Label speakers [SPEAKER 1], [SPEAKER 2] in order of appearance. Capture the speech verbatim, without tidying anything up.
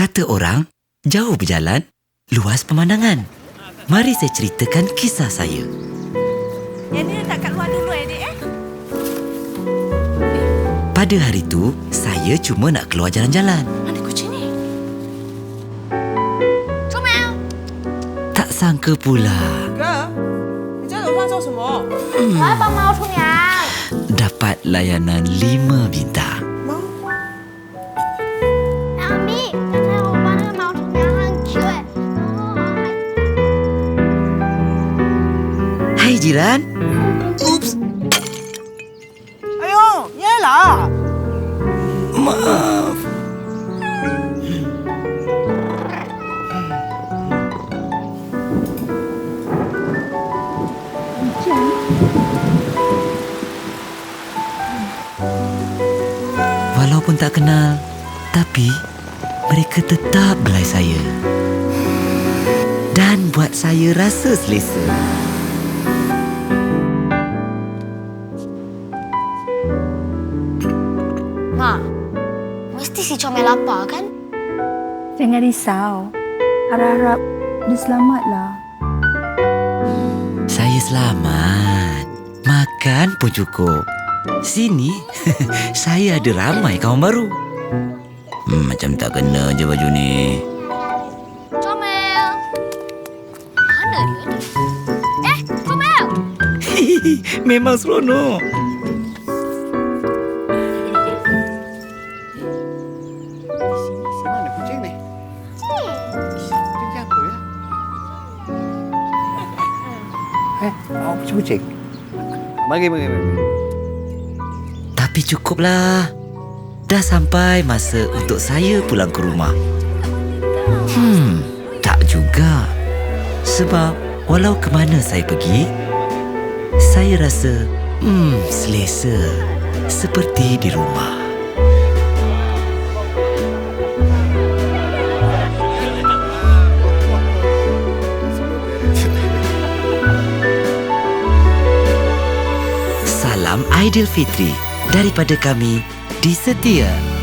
[SPEAKER 1] Kata orang, jauh berjalan, luas pemandangan. Mari saya ceritakan kisah saya.
[SPEAKER 2] Yang ni letak kat luar dulu eh, Dek, eh?
[SPEAKER 1] Pada hari itu, saya cuma nak keluar jalan-jalan.
[SPEAKER 2] Mana kucing ni? Comel!
[SPEAKER 1] Tak sangka pula
[SPEAKER 3] 哥，你在楼上做什么？
[SPEAKER 2] 我要帮猫冲凉。
[SPEAKER 1] dapat layanan lima bintang.
[SPEAKER 3] 猫？
[SPEAKER 2] 阿咪，刚才我帮那个猫冲凉很 Q 哎，然后还
[SPEAKER 1] Hai jiran. Ups,
[SPEAKER 3] 哎呦，你来啦！
[SPEAKER 1] maaf. Walaupun tak kenal, tapi mereka tetap belai saya. Dan buat saya rasa selesa.
[SPEAKER 2] Ma, mesti si Comel lapar kan?
[SPEAKER 4] Jangan risau. Harap-harap dia selamatlah.
[SPEAKER 1] Saya selamat. Makan pun cukup. Sini, saya ada ramai kawan baru. Hmm, macam tak kena je baju ni.
[SPEAKER 2] Comel! Mana dia ni? Eh, Comel!
[SPEAKER 1] Memang seronok.
[SPEAKER 3] Mana kucing ni? Kucing siapa ya? Eh, oh, kucing-kucing. Mari, mari, mari.
[SPEAKER 1] Tapi cukuplah. Dah sampai masa untuk saya pulang ke rumah. Hmm, tak juga. Sebab walau ke mana saya pergi, saya rasa hmm, selesa. Seperti di rumah. Salam Aidilfitri daripada kami di Setia.